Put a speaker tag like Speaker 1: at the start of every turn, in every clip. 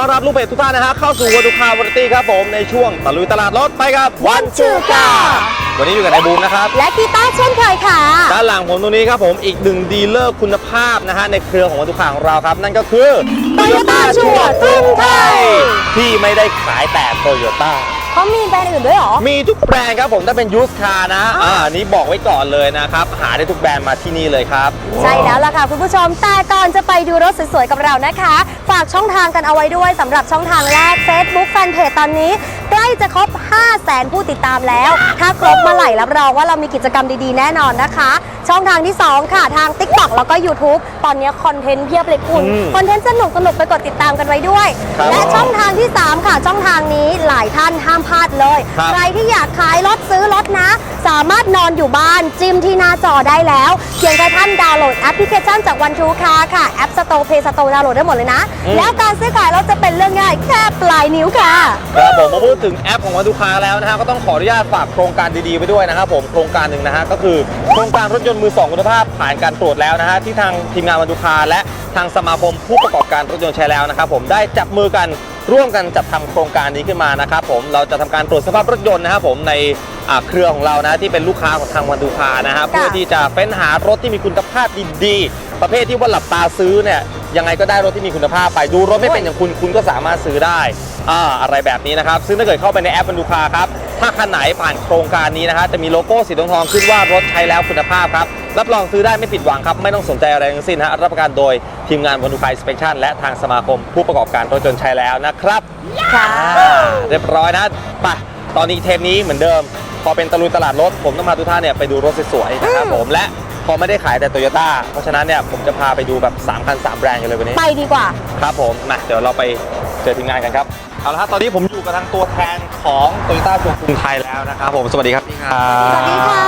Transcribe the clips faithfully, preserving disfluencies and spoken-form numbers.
Speaker 1: ต้อนรับลูกเพจทุกท่านนะฮะเข้าสู่วันดูคาวาไรตี้ครับผมในช่วงตะลุยตลาดรถไปกับวันชูกาวันนี้อยู่กับนายบูมนะครับ
Speaker 2: และกีตาร์เช่นเคยค่ะ
Speaker 1: ด้านหลังผมตรงนี้ครับผมอีกหนึ่งดีลเลอร์คุณภาพนะฮะในเครือของวันดูคาของเราครับนั่นก็คือ
Speaker 2: Toyota ชัวร์กรุงไทย
Speaker 1: ที่ไม่ได้ขายแต่ Toyota
Speaker 2: เขามีแบรนด์อื่นด้วยหรอ
Speaker 1: มีทุกแบรนด์ครับผมถ้าเป็นยูสคาร์นะอ่านี้บอกไว้ก่อนเลยนะครับหาได้ทุกแบรนด์มาที่นี่เลยครับ
Speaker 2: ใช่แล้วล่ะค่ะคุณผู้ชมแต่ก่อนจะไปดูรถสวยๆกับเรานะคะฝากช่องทางกันเอาไว้ด้วยสำหรับช่องทางแรก Facebook Fanpage ตอนนี้ใกล้จะครบ ห้าแสน ผู้ติดตามแล้วถ้าครบเมื่อไหร่รับรองว่าเรามีกิจกรรมดีๆแน่นอนนะคะช่องทางที่สองค่ะทาง TikTok แล้วก็ YouTube ตอนนี้คอนเทนต์เพียบเลยคุณคอนเทนต์สนุกสนุกไปกดติดตามกันไว้ด้วยและช่องทางที่สามค่ะช่องทางนี้หลายท่านห้ามพลาดเลยใครที่อยากขายรถซื้อรถนะสามารถนอนอยู่บ้านจิ้มที่หน้าจอได้แล้วเพียงแค่ท่านดาวน์โหลดแอปพลิเคชันจากวันทูคาร์ค่ะแอป Store Play Store ดาวน์โหลดได้หมดเลยนะแล้วการซื้อขายรถจะเป็นเรื่องง่ายแค่ปลายนิ้วค่ะ
Speaker 1: ครับผมมาพูดถึงแอปของวันทูคาร์แล้วนะฮะก็ต้องขออนุญาตฝากโครงการดีๆไปด้วยนะครับผมโครงการหนึ่งนะฮะก็คือโครงการรถยนต์มือสองคุณภาพผ่านการตรวจแล้วนะฮะที่ทางทีมงานวันทูคาร์และทางสมาคมผู้ประกอบการรถยนต์ใช้แล้วนะครับผมได้จับมือกันร่วมกันจัดทำโครงการนี้ขึ้นมานะครับผมเราจะทำการตรวจสภาพรถยนต์นะครับผมในเครือของเรานะที่เป็นลูกค้าของทางวันทูคาร์นะครับเพื่อที่จะเฟ้นหารถที่มีคุณภาพดีๆประเภทที่ว่าหลับตาซื้อเนี่ยยังไงก็ได้รถที่มีคุณภาพไปดูรถไม่เป็นอย่างคุณคุณก็สามารถซื้อได้อ่าอะไรแบบนี้นะครับซึ่งถ้าเกิดเข้าไปในแอปวันทูคาร์ครับถ้าคันไหนผ่านโครงการนี้นะฮะจะมีโลโก้สีทองๆขึ้นว่ารถใช้แล้วคุณภาพครับรับรองซื้อได้ไม่ผิดหวังครับไม่ต้องสนใจอะไรทั้งสิ้นฮะรับประกันโดยทีมงานวันทูคาร์สเปคชั่นและทางสมาคมผู้ประกอบการรถยนต์ใช้แล้วนะครับ
Speaker 2: ค่ะ
Speaker 1: เรียบร้อยนะไปตอนนี้เทปนี้เหมือนเดิมพอเป็นตะลุยตลาดรถผมต้องพาทุกท่านเนี่ยไปดูรถสวยๆนะครับผมและพอไม่ได้ขายแต่โตโยต้าเพราะฉะนั้นเนี่ยผมจะพาไปดูแบบสามคันสามแบรนด์กันเลยวันนี้
Speaker 2: ไปดีกว่า
Speaker 1: ครับผมมาเดี๋ยวเราไปเจอทีมงานกันครับเอาละครับตอนนี้ผมอยู่กับทางตัวแทนของโตโยต้าชัวร์กรุงไทยแล้วนะครับผมสวัสดีครับพี่ครับ
Speaker 2: สวัสดีค่ะ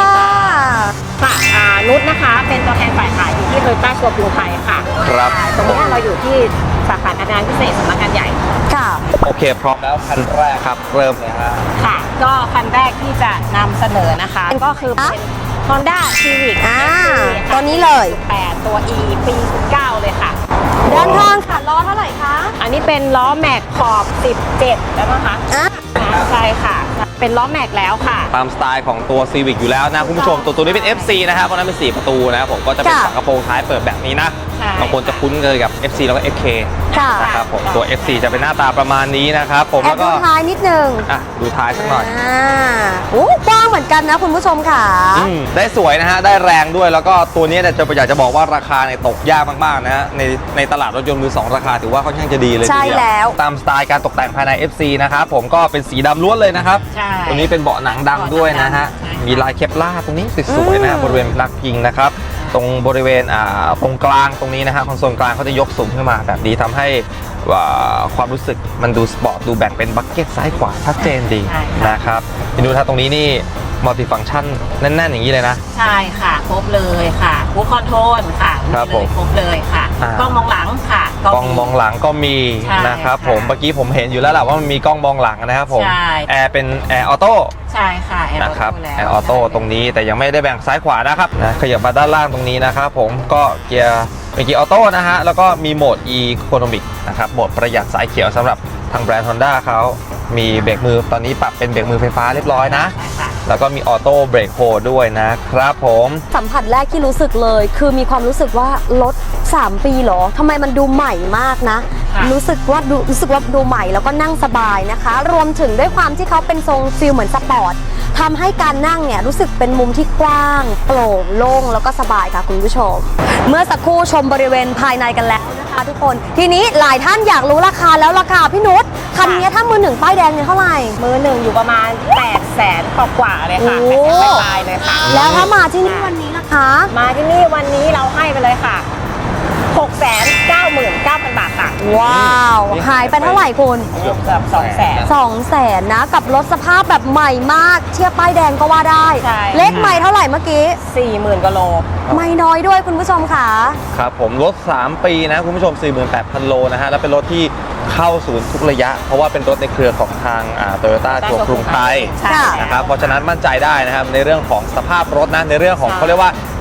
Speaker 3: ค่ะนุชนะคะเป็นตัวแทนฝ่ายขายอยู่ที่โตโยต้าชัวร์กรุงไทยค่ะ
Speaker 1: ครับ
Speaker 3: ตรงนี้เราอยู่ที่สาขาการงานพิเศษสำนักงานใหญ่
Speaker 2: ค่ะ
Speaker 1: โอเคพร้อมแล้วคันแรกครับเริ่มเลยฮะ
Speaker 3: ค่ะก็คันแรกที่จะนำเสนอนะคะก็คือเป็น Honda Civic
Speaker 2: อ่าตัวนี้เลย
Speaker 3: แปดตัว E ปีสิบเก้าเลยค่ะ
Speaker 2: ด้านข้างค่ะล้อเท่าไหร่คะ
Speaker 3: อันนี้เป็นล้อแม็กขอบสิบเจ็ดแล้วนะคะ
Speaker 2: อ่า
Speaker 3: ใช่ค่ะเป็นล้อแม็กแล้วค่ะ
Speaker 1: ตามสไตล์ของตัว Civic อยู่แล้วนะคุณผู้ชมตัวตัวนี้เป็น เอฟ ซี นะครับเพราะนั้นเป็นสี่ประตูนะครับผมก็จะเป็นฝากระโปรงท้ายเปิดแบบนี้นะบางคนจะคุ้นเลยกับ เอฟ ซี แล้วก็ เอฟ เค นะครับผมตัว เอฟ ซี จะเป็นหน้าตาประมาณนี้นะครับผมแล้วก็
Speaker 2: ดูท้ายนิดนึง
Speaker 1: อ่ะดูท้ายสักหน่อย
Speaker 2: อ่าโอ้กว้างเหมือนกันนะคุณผู้ชมค่ะ
Speaker 1: ได้สวยนะฮะได้แรงด้วยแล้วก็ตัวนี้เนี่ยจะอยากจะบอกว่าราคาเนี่ยตกยากมากๆนะฮะในในตลาดรถยนต์มือสองราคาถือว่าค่อนข้างจะดีเลย
Speaker 2: ใช่แล้ว
Speaker 1: ตามสไตล์การตกแต่งภายใน เอฟ ซี นะครับผมก็เป็นสีดำล้วนเลยนะครับตัวนี้เป็นเบาะหนังดำด้วยนะฮะมีลายเคปลาร์ตรงนี้สวยๆนะบริเวณลักยิงนะครับตรงบริเวณตรงกลางตรงนี้นะฮะคอนโซลกลางเขาจะยกสูงขึ้นมาแบบนี้ทำให้ความรู้สึกมันดูสปอร์ตดูแบ่งเป็นบัคเก็ตซ้ายขวาชัดเจนดีนะครับดูถ้าตรงนี้นี่มัลติฟังก์ชันแน่นๆอย่างนี้เลยนะ
Speaker 3: ใช่ค่ะครบเลยค่ะคูคอนโทรลค่ะ
Speaker 1: ครับผม
Speaker 3: ครบเลยค่ะกล้องมองหลังค่ะ
Speaker 1: กล้องมองหลังก็มีนะครับผมเมื่อกี้ผมเห็นอยู่แล้วแหละว่ามันมีกล้องมองหลังนะครับผมแอร์เป็นแอร์ออโต้
Speaker 3: ใช่ค่ะ
Speaker 1: นะครับแอร์ออโต้ตรงนี้แต่ยังไม่ได้แบ่งซ้ายขวานะครับนะขยับมาด้านล่างตรงนี้นะครับผมก็เกียร์เป็นเกียร์ออโต้นะฮะแล้วก็มีโหมด Economic นะครับโหมดประหยัดสายเขียวสำหรับทางแบรนด์ Honda เขามีเบรกมือตอนนี้ปรับเป็นเบรกมือไฟฟ้าเรียบร้อยนะแล้วก็มีออโต้เบรกโฮด้วยนะครับผม
Speaker 2: สัมผัสแรกที่รู้สึกเลยคือมีความรู้สึกว่ารถสามปีหรอทำไมมันดูใหม่มากนะรู้สึกว่าดูรู้สึกว่าดูใหม่แล้วก็นั่งสบายนะคะรวมถึงด้วยความที่เขาเป็นทรงฟิลเหมือนสปอร์ตทำให้การนั่งเนี่ยรู้สึกเป็นมุมที่กว้างโปร่งโล่งแล้วก็สบายค่ะคุณผู้ชมเมื่อสักครู่ชมบริเวณภายในกันแล้วนะคะทุกคนทีนี้หลายท่านอยากรู้ราคาแล้วราคาพี่นุชคันนี้ถ้ามือหนึ่งป้ายแดงเนี่ยเท่าไหร่
Speaker 3: มือหนึ่งอยู่ประมาณแปดแสนกว่าเลยค่ะแปดแสนปลายเลยค่ะ
Speaker 2: แล้วถ้ามาที่นี่วันนี้นะคะ
Speaker 3: มาที่นี่วันนี้เราให้ไปเลยค่ะหกแสนเก้าหมื่นเก้าพันบาทค่ะ
Speaker 2: ว้าวหายไปเท่าไหร่คุณ
Speaker 3: เกือบสองแสน
Speaker 2: สองแสนนะกับรถสภาพแบบใหม่มากเทียบป้ายแดงก็ว่าได้เลขใหม่เท่าไหร่เมื่อกี้
Speaker 3: สี่หมื่นกิโล
Speaker 2: ไม่น้อยด้วยคุณผู้ชมค่ะ
Speaker 1: ครับผมรถสามปีนะคุณผู้ชม สี่หมื่นแปดพัน โลนะฮะแล้วเป็นรถที่เข้าศูนย์ทุกระยะเพราะว่าเป็นรถในเครือของทางโตโยต้าชัวร์กรุงไทยนะครับเพราะฉะนั้นมั่นใจได้นะครับในเรื่องของสภาพรถนะในเรื่องของเขาเรียกว่า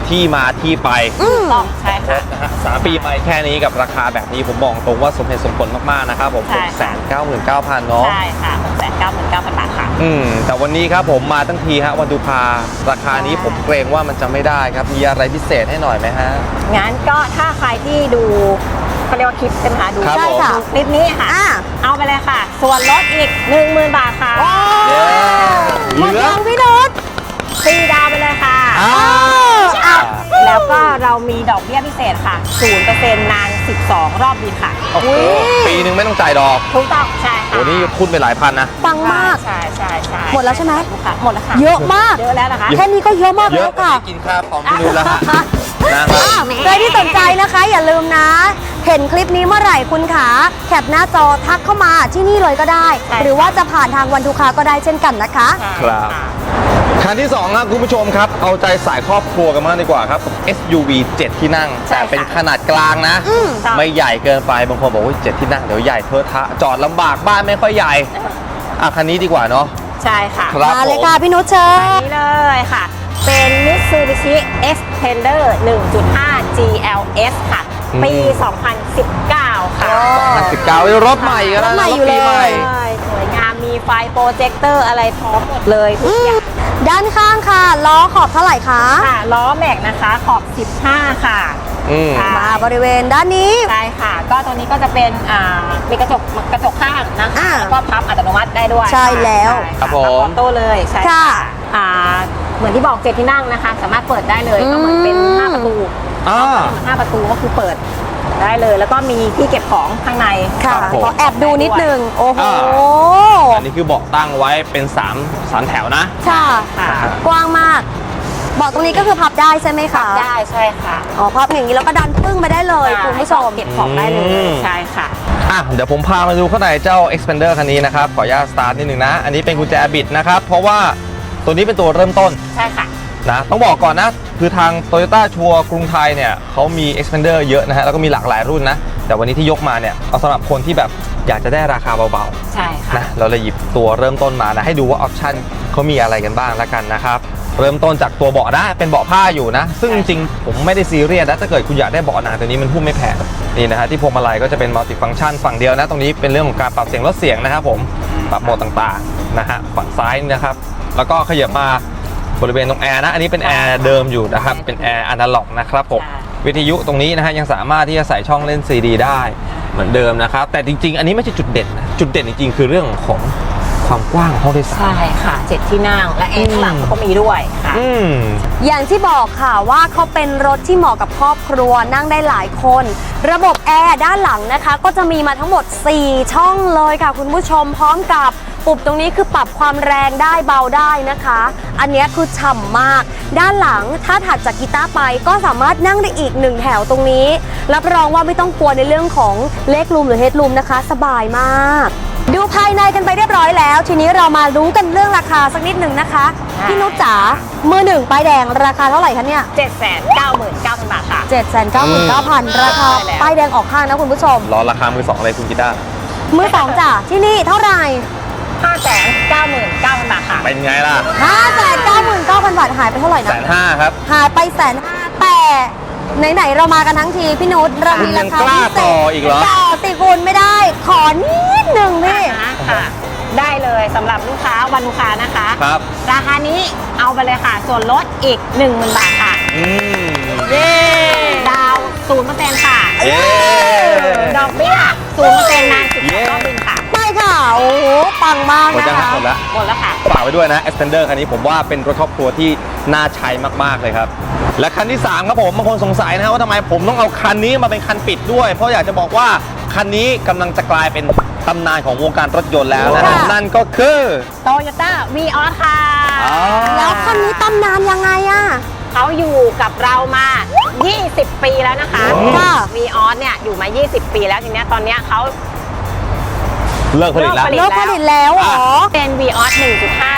Speaker 1: ที่มาที่ไป
Speaker 2: อืม
Speaker 3: ต้องใช่ค่ะ
Speaker 1: นะฮะสามปีไปแค่นี้กับราคาแบบนี้ผมบอกตรงว่าสมเหตุสมผลมากๆนะครับผม
Speaker 3: ใช่
Speaker 1: หกแส
Speaker 3: ค่ะ
Speaker 1: นเก้าหมื่นเก้าพันเนาะ
Speaker 3: ใช่ค่ะ หกแสนเก้าหมื่นเก้าพัน บาทค่ะ
Speaker 1: อืมแต่วันนี้ครับผมมาทั้งทีฮะวันดูคาราคานี้
Speaker 3: ใช่
Speaker 1: ผมเกรงว่ามันจะไม่ได้ครับมีอะไรพิเศษให้หน่อยไหมฮะ
Speaker 3: งั้นก็ถ้าใครที่ดูเขาเรียกว่าคลิปใช่ไหมคะดู
Speaker 1: ครับ
Speaker 2: ใช่
Speaker 1: ผม
Speaker 2: ค่ะ
Speaker 3: คลิปนี้ค่ะ
Speaker 2: อ่า
Speaker 3: เอาไปเลยค่ะ ส่วนลดอีก หนึ่งหมื่น บาทค่ะ
Speaker 2: โอ้
Speaker 1: เย้
Speaker 2: หมด
Speaker 1: เหลือ
Speaker 2: ยังพี่นุช
Speaker 3: ฟรีดาวน์ไปเลยค่ะ
Speaker 1: อ้า
Speaker 2: เอา
Speaker 3: แล้วก็เรามีดอกเบี้ยพิเศษค่ะ ศูนย์เปอร์เซ็นต์ นาน สิบสอง รอบบินค่ะ
Speaker 1: โอ้โหปีหนึ่งไม่ต้องจ่ายดอก
Speaker 3: ถูกต้องใช่ค่ะ
Speaker 1: โอ้นี่ทุนไปหลายพันนะ
Speaker 2: ปังมาก
Speaker 3: ใช่ใช่ใช่
Speaker 2: หมดแล้วใช่ไหม
Speaker 3: ค่ะหมดแล้วค่ะ
Speaker 2: เยอะมาก
Speaker 3: เยอะแล้วนะคะ
Speaker 2: แค่นี้ก็เยอะมาก
Speaker 1: เย
Speaker 2: แล้
Speaker 1: อะ
Speaker 2: ว
Speaker 1: กว่า
Speaker 2: ค่ะ
Speaker 1: ที่กินข้าวของพี่นูแล้วฮะนะครับ
Speaker 2: อ่ะใครที่สนใจนะคะ อย่าลืมนะ เห็นคลิปนี้เมื่อไหร่คุณขาแคปหน้าจอทักเข้ามาที่นี่เลยก็ได้
Speaker 3: ใช่
Speaker 2: หรือว่าจะผ่านทางวันทุกคาก็ได้เช่นกันนะคะ
Speaker 3: ใช่
Speaker 1: ครับ
Speaker 3: ะ
Speaker 1: คันที่สองครับคุณผู้ชมครับ เอาใจสายครอบครัวกันมากดีกว่าครับ เอส ยู วี เจ็ด ที่นั่ง
Speaker 3: ใช่
Speaker 1: แต่
Speaker 3: ค่ะ
Speaker 1: เป็นขนาดกลางนะ
Speaker 2: อืม
Speaker 1: ไม่ใหญ่เกินไปบางคนบอกว่าเจ็ดที่นั่งเดี๋ยวใหญ่เทอะทะจอดลำบากบ้านไม่ค่อยใหญ่อ่ะคันนี้ดีกว่าเนาะ
Speaker 3: ใช่ค่ะ
Speaker 1: ครับ
Speaker 2: มาเลย
Speaker 1: ผม
Speaker 2: ค่ะพี่นุชเชิญ
Speaker 3: อันนี้เลยค่ะ เป็น Mitsubishi Xpander หนึ่งจุดห้า จี แอล เอส ค่ะ ปี สองพันสิบเก้า ค่ะ
Speaker 1: สิบเก้ารถใหม่กันแล้ว
Speaker 2: รถใหม่
Speaker 1: นะ
Speaker 2: อยู่
Speaker 1: ปีใหม่
Speaker 2: เลย
Speaker 3: ใช่สวยงามมีไฟโปรเจคเตอร์อะไรพร้อมหมดเลยทุกอย่าง
Speaker 2: ด้านข้างค่ะ ล้อขอบเท่าไหร่คะ
Speaker 3: ค่ะ ล้อแม็กนะคะ ขอบ สิบห้า ค่ะ
Speaker 1: อืม
Speaker 3: ค่ะ
Speaker 2: มาบริเวณด้านนี้
Speaker 3: ใช่ค่ะ ก็ตัวนี้ก็จะเป็นอ่ามีกระจกกระจกข้างนะคะ
Speaker 2: อ่า
Speaker 3: แล้วก็พับอัตโนมัติได้ด้วย
Speaker 2: ใช่แล้ว
Speaker 3: ใช่
Speaker 1: ครับ
Speaker 3: ะ
Speaker 1: ผม
Speaker 3: พับออโต้เลยใช่
Speaker 2: ค่ะ
Speaker 3: อ่าเหมือนที่บอกเจ็ดที่นั่งนะคะ สามารถเปิดได้เลย
Speaker 2: อืม
Speaker 3: ก็เหมือนเป็นห้าประตู
Speaker 1: อ่า
Speaker 3: เหมือนห้าประตูก็คือเปิดได้เลย แล้วก็มีที่เก็บของข้างใน
Speaker 2: ค่ะ
Speaker 1: ครับผม
Speaker 2: ขอแอบดูนิดนึง โอ้โห
Speaker 1: อันนี้คือเบาะตั้งไว้เป็น3ามสามแถวนะ
Speaker 2: ค่ะ
Speaker 3: ค่ะ
Speaker 2: กว้างมากเบาะตรงนี้ก็คือพับได้ใช่ไหมคะ
Speaker 3: ได้ใช่ค่ะ
Speaker 2: อ๋อพับอย่างนี้แล้วก็ดันปึ้งไปได้เลยคุณผู้ชม
Speaker 3: เก็บของได้เล
Speaker 1: อื
Speaker 3: ย
Speaker 1: ม
Speaker 3: ใช่ค่ะ
Speaker 1: อ่ะเดี๋ยวผมพามาดูข้างในเจ้า Xpander คันนี้นะครับ ขออนุญาตสตาร์ทนิดนึงนะ อันนี้เป็นกุญแจบิดนะครับ เพราะว่าตัวนี้เป็นตัวเริ่มต้น
Speaker 3: ใช่ค่ะ
Speaker 1: นะ ต้องบอกก่อนนะ คือทาง Toyota ชัวร์กรุงไทยเนี่ยเขามี Xpander เยอะนะฮะ แล้วก็มีหลากหลายรุ่นนะ แต่วันนี้ที่ยกมาเนี่ย เอาสำหรับคนที่แบบอยากจะได้ราคาเบา
Speaker 3: ใช่
Speaker 1: ๆ
Speaker 3: ค่ะ
Speaker 1: นะ เราเลยหยิบตัวเริ่มต้นมานะ ให้ดูว่าออปชั่นเขามีอะไรกันบ้างแล้วกันนะครับ เริ่มต้นจากตัวเบาะนะเป็นเบาะผ้าอยู่นะ ซึ่งจริงๆ ผมไม่ได้ซีเรียสนะถ้าเกิดคุณอยากได้เบาะหนังตัวนี้มันหุ้มไม่แพงนี่นะฮะที่พวงมาลัยก็จะเป็นมัลติฟังก์ชันฝั่งเดียวนะ ตรงนี้เป็นเรื่องของการปรับเสียงลดเสียงนะครับผมปรับโหมดต่างๆนะฮะฝั่งซ้ายนี่นะครับ แล้วก็ขยับมาบริเวณตรงแอร์นะ อันนี้เป็นแอร์เดิมอยู่นะครับเป็นแอร์อนาล็อกนะครับผม
Speaker 3: ใช่
Speaker 1: วิทยุตรงนี้นะฮะยังสามารถที่จะใส่ช่องเล่นซีดีได้เหมือนเดิมนะครับแต่จริงๆ อันนี้ไม่ใช่จุดเด่นนะจุดเด่นจริงๆ คือเรื่องของความกว้างห้องโดยสาร
Speaker 3: ใช่ค่ะเจ็ดที่นั่งและแอร์ข้างหลังก็มีด้วยค่ะ
Speaker 1: อืม
Speaker 2: อย่างที่บอกค่ะว่าเขาเป็นรถที่เหมาะกับครอบครัวนั่งได้หลายคน ระบบแอร์ด้านหลังนะคะ ก็จะมีมาทั้งหมด สี่ ช่องเลยค่ะคุณผู้ชมพร้อมกับปุ่มตรงนี้คือปรับความแรงได้เบาได้นะคะ อันนี้คือฉ่ำมาก ด้านหลังถ้าถัดจากกีตาร์ไปก็สามารถนั่งได้อีกหนึ่งแถวตรงนี้ รับรองว่าไม่ต้องกลัวในเรื่องของเลกรูมหรือเฮดรูมนะคะ สบายมาก ดูภายในกันไปเรียบร้อยแล้ว ทีนี้เรามารู้กันเรื่องราคาสักนิดหนึ่งนะคะ
Speaker 3: ค่ะ
Speaker 2: พี่นุชจ๋ามือหนึ่งป้ายแดงราคาเท่าไหร่คะเนี่ย
Speaker 3: เจ็ดแสนเก้าหมื่นเก้าพัน บาทค่ะ
Speaker 2: เจ็ดแสนเก้าหมื่นเก้าพัน ราคา
Speaker 3: ใช่แล้ว
Speaker 2: ป้ายแดงออกข้างนะคุณผู้ชม
Speaker 1: รอราคามือสองเลยคุณกีตาร์
Speaker 2: มือสองจ้ะที่นี่เท่าไหร่
Speaker 3: ห้าแสนเก้าหมื่นเก้าพัน บาทค่ะ
Speaker 1: เป็นไงล่ะ
Speaker 2: ห้าแสนเก้าหมื่นเก้าพัน บาทหายไปเท่าไหร่
Speaker 1: แส
Speaker 2: นะ
Speaker 1: นห้าครับ
Speaker 2: หายไปแสนห้าแต่ไหนๆเรามากันทั้งทีพี่นุชเรามีราคา
Speaker 1: คุณยังกล้า
Speaker 2: พิเศษ
Speaker 1: ต่ออีกเหรอ
Speaker 2: ต่อสิคุณไม่ได้ ขอนิดหนึ่งพี่
Speaker 3: ค่ะ ได้เลยสำหรับลูกค้าวันลูกค้านะคะ
Speaker 1: ครับ
Speaker 3: ราคานี้เอาไปเลยค่ะ ส่วนลดอีก หนึ่งหมื่น บาทค่ะ
Speaker 1: อืม
Speaker 3: เย้ดาวศูนย์เปอร์เซ็นต์ค่ะ
Speaker 1: เย้
Speaker 3: ดอกเบี้ยศูนย์เปอร์เซ็นต์นานสิบ
Speaker 1: เย้
Speaker 3: รอบบินค่ะ
Speaker 2: ไม่ค่ะ โอ้โห ปังมาก
Speaker 1: หมด
Speaker 2: นะ
Speaker 1: ยัง
Speaker 2: คะ
Speaker 1: หมดแล้ว
Speaker 3: หมดแล้วค่ะ
Speaker 1: ฝากไว้ด้วยนะ Xpander คันนี้ผมว่าเป็นรถครอบครัวที่น่าใช้มากๆเลยครับ และคันที่ สามครับผมบางคนสงสัยนะฮะว่าทำไมผมต้องเอาคันนี้มาเป็นคันปิดด้วย เพราะอยากจะบอกว่าคันนี้กำลังจะกลายเป็นตำนานของวงการรถยนต์แล้วนะฮะ
Speaker 2: ค่ะ
Speaker 1: นั่นก็คือ
Speaker 3: Toyota Vios ค่ะ
Speaker 1: อ๋อ
Speaker 2: แล้วคันนี้ตำนานยังไงอะ
Speaker 3: เขาอยู่กับเรามา ยี่สิบ ปีแล้วนะคะ
Speaker 2: ค่ะ
Speaker 3: Vios เนี่ยอยู่มา ยี่สิบ ปีแล้วทีเนี้ยตอนเนี้ยเขา
Speaker 1: เลิกผลิตแล้ว
Speaker 3: เลิ
Speaker 2: เลิกผลิตแล้วเหรอ
Speaker 3: เป็น Vios หนึ่งจุดห้า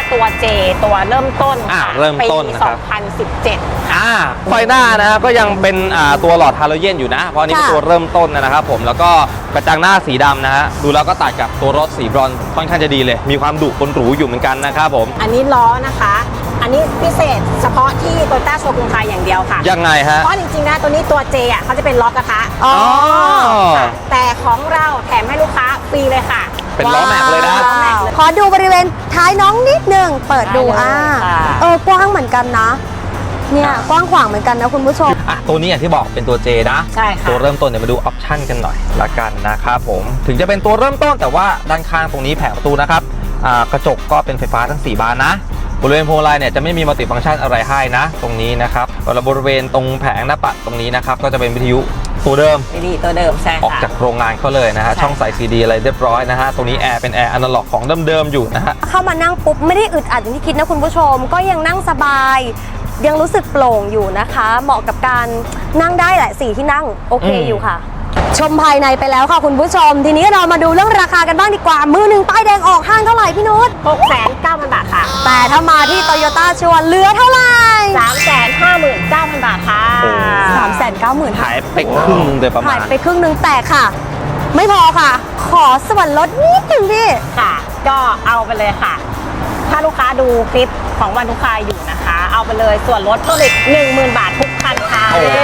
Speaker 3: ตัว J ตัวเริ่มต้น
Speaker 1: อ่า
Speaker 3: ค่ะ
Speaker 1: เริ่มต้น
Speaker 3: ปี
Speaker 1: นะครับ
Speaker 3: สองพันสิบเจ็ด
Speaker 1: อ่าไฟหน้านะครับก็ยังเป็นอ่าตัวหลอดฮาโลเจนอยู่นะ เพราะอันนี้เป็น
Speaker 2: ค่ะ
Speaker 1: ตัวเริ่มต้นนะครับผมแล้วก็กระจังหน้าสีดำนะฮะดูแล้วก็ตัดกับตัวรถสีบรอนซ์ค่อนข้างจะดีเลย มีความดุคนหรูอยู่เหมือนกันนะครับผม
Speaker 3: อันนี้ล้อนะคะ อันนี้พิเศษเฉพาะที่โตโยต้าโชว์กรุงไทยอย่างเดียวค่ะ
Speaker 1: ยังไงฮะ
Speaker 3: เพราะจริงๆนะตัวนี้ตัว J อ่ะเขาจะเป็นล้อกระทะ
Speaker 2: อ๋อ
Speaker 3: ค่ะแต่ของเราแถมให้ลูกค้าฟรีเลยค่ะ
Speaker 1: เป็นล้อแม็กเลยนะ
Speaker 3: ล้อแม็กเลย
Speaker 2: ขอดูบริเวณท้ายน้องนิดนึง เปิดดู
Speaker 3: ได้เลย
Speaker 2: อ่า
Speaker 3: ค่ะ
Speaker 2: เออกว้างเหมือนกันนะ เนี่ยกว้างขวางเหมือนกันนะคุณผู้ชม
Speaker 1: อ่ะตัวนี้อย่างที่บอกเป็นตัว J นะ
Speaker 3: ใช่ค่ะ
Speaker 1: ตัวเริ่มต้นเดี๋ยวมาดูออปชั่นกันหน่อยละกันนะครับผมถึงจะเป็นตัวเริ่มต้นแต่ว่าด้านข้างตรงนี้แผงประตูนะครับอ่ากระจกก็เป็นไฟฟ้าทั้งสี่บานนะบริเวณพวงมาลัยเนี่ยจะไม่มีมัลติฟังก์ชันอะไรให้นะ ตรงนี้นะครับแล้วบริเวณตรงแผงหน้าปัดตรงนี้นะครับก็จะเป็นวิทยุตัวเดิม
Speaker 3: ดีตัวเดิมใช่
Speaker 1: ออก
Speaker 3: ค่ะ
Speaker 1: จากโรงงานเขาเลยนะฮะ
Speaker 3: ใช่
Speaker 1: ช่องใส่ซีดีอะไรเรียบร้อยนะฮะตรงนี้แอร์เป็นแอร์อนาล็อกของเดิมๆอยู่นะฮะ
Speaker 2: เข้ามานั่งปุ๊บไม่ได้อึดอัดอย่างที่คิดนะคุณผู้ชม ก็ยังนั่งสบาย ยังรู้สึกโปร่งอยู่นะคะ เหมาะกับการนั่งได้แหละสี่ที่นั่งโอเค
Speaker 1: อืม
Speaker 2: อยู่ค่ะ ชมภายในไปแล้วค่ะคุณผู้ชม ทีนี้เรามาดูเรื่องราคากันบ้างดีกว่า มือหนึ่งป้ายแดงออกห้างเท่าไหร่พี่นุช
Speaker 3: หกแสนเก้าพันบาทค่ะ
Speaker 2: แต่ถ้ามาที่โตโยต้าชัวร์เหลือเท่าไหร่
Speaker 3: สามแสนห้าหมื่นเก้าพันบาทค่ะ
Speaker 2: สามแสนเก้าหมื่น
Speaker 1: หายไปครึ่งโดยประมา
Speaker 2: หาย
Speaker 1: ณ
Speaker 2: ไปครึ่งหนึ่งแต่ค่ะ ไม่พอค่ะ ขอส่วนลดนิดหนึ่งพี่
Speaker 3: ค่ะ ก็เอาไปเลยค่ะ ถ้าลูกค้าดูคลิปของวันลูกค้าอยู่นะคะ เอาไปเลยส่วนลดเพิ่มอีกหนึ่งหมื่นบาททุกคันค่ะ
Speaker 1: โอ้โห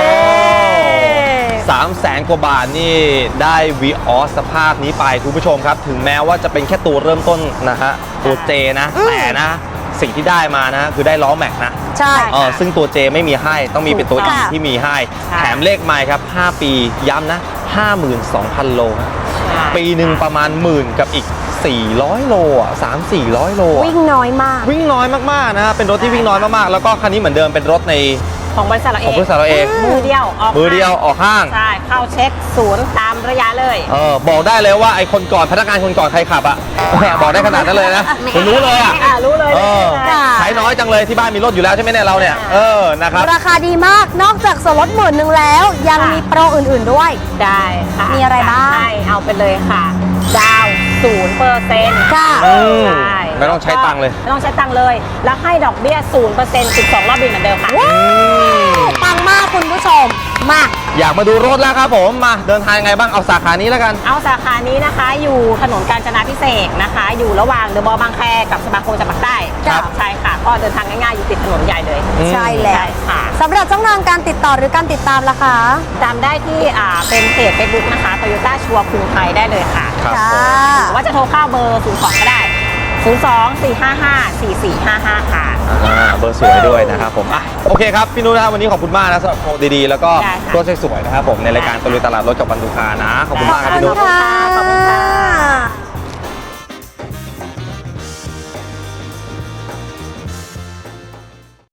Speaker 1: สามแสนกว่าบาทนี่ได้วีออสสภาพนี้ไปคุณผู้ชมครับ ถึงแม้ว่าจะเป็นแค่ตัวเริ่มต้นนะฮะตัวเจนะ
Speaker 2: อืม
Speaker 1: แต่นะ สิ่งที่ได้มานะ คือได้ล้อแม็กนะ
Speaker 2: ใช่
Speaker 1: เออซึ่งตัวเจไม่มีให้ต้องมีเป็นตัว
Speaker 2: ถูก
Speaker 1: E
Speaker 2: ค่ะ
Speaker 1: ที่มีให้
Speaker 3: ค่ะ
Speaker 1: แถมเลขไมล์ครับ ห้า ปีย้ำนะ ห้าหมื่นสองพัน โลฮะ
Speaker 3: ใช่
Speaker 1: ปีหนึ่งประมาณหมื่นกับอีก สี่ร้อย โลอ่ะ สามสี่ร้อย โลอ่ะ
Speaker 2: วิ่งน้อยมาก
Speaker 1: วิ่งน้อยมากๆนะฮะเป็นรถที่วิ่งน้อยมากๆ แล้วก็คันนี้เหมือนเดิมเป็นรถใน
Speaker 3: ของบริษัทเรา
Speaker 1: ข
Speaker 3: เอ
Speaker 1: อง
Speaker 3: ง
Speaker 1: บริษัทเราเอง
Speaker 3: มือเดียวออก
Speaker 1: มือเดียวออกห้าง
Speaker 3: ใช่ เข้าเช็คศูนย์ตามระยะเลย
Speaker 1: เออบอกได้เลยว่าไอ้คนก่อนพนักงานคนก่อนใครขับอ่ะแหมบอกได้ขนาดนั้นเลยนะคุณรู้เลยอ่ะ
Speaker 3: อ่ารู้เลย
Speaker 1: เออ
Speaker 2: ค่ะ
Speaker 1: ใช้น้อยจังเลยที่บ้านมีรถอยู่แล้วใช่ไหมเนี่ยเราเนี่ยเออนะครับ
Speaker 2: ราคาดีมาก นอกจากส่วนลดหมื่นหนึ่งแล้ว ยังมีโปรอื่นๆด้วย
Speaker 3: ได้ค่ะ
Speaker 2: มีอะไรบ้าง
Speaker 3: ใช่เอาไปเลยค่ะ ดาวศูนย์เปอร์เซ็นต์
Speaker 2: ค่ะ
Speaker 1: อืม
Speaker 3: ใช่
Speaker 1: ไม่ต้องใช้ตังค์เลย
Speaker 3: ไม่ต้องใช้ตังค์เลย แล้วให้ดอกเบี้ยศูนย์เปอร์เซ็นต์สิบสองรอบบินเหมือนเดิมค่ะ
Speaker 2: ว้าวปังมากคุณผู้ชม มา
Speaker 1: อยากมาดูรถแล้วครับผมมาเดินทางยังไงบ้างเอาสาขานี้แล้วกัน
Speaker 3: เอาสาขานี้นะคะ อยู่ถนนกาญจนาพิเศษกนะคะ อยู่ระหว่างเดอะมอลล์บางแคกับสมาคมจังหวัดใต้
Speaker 1: ครับ
Speaker 3: ใช่ค่ะ ก็เดินทางง่ายๆ อยู่ติดถนนใหญ่เลย
Speaker 1: อืม
Speaker 2: ใช่แล้ว
Speaker 3: ใช่ค่ะ
Speaker 2: สำหรับช่องทางการติดต่อหรือการติดตามล่ะคะ
Speaker 3: จำได้ที่อ่าเป็นเพจ Facebook นะคะ Toyota ชัวร์กรุงไทยได้เลยค่ะ
Speaker 1: ครับ
Speaker 2: ค่ะ
Speaker 1: ผม
Speaker 3: หรือว่าจะโทรเข้าเบอร์ ศูนย์ สอง ก็ได้ ศูนย์ สอง สี่ ห้า ห้า สี่ สี่ ห้า ห้า ค่ะ
Speaker 1: อ่าเบอร์สวยด้วยนะครับผมอ่ะโอเคครับพี่นุ้ยนะครับวันนี้ขอบคุณมากนะสำหรับโปรดีๆแล้วก็
Speaker 3: ได้ค่ะ
Speaker 1: รถสวยๆนะครับผมในรายการตะลุยตลาดรถกับวันดูคานะขอบคุณมากครับ
Speaker 2: ขอบ
Speaker 1: พี่
Speaker 2: คุ
Speaker 1: นุ้
Speaker 2: ณ
Speaker 1: ย
Speaker 2: ค่ะ
Speaker 3: ขอบคุณค่ะ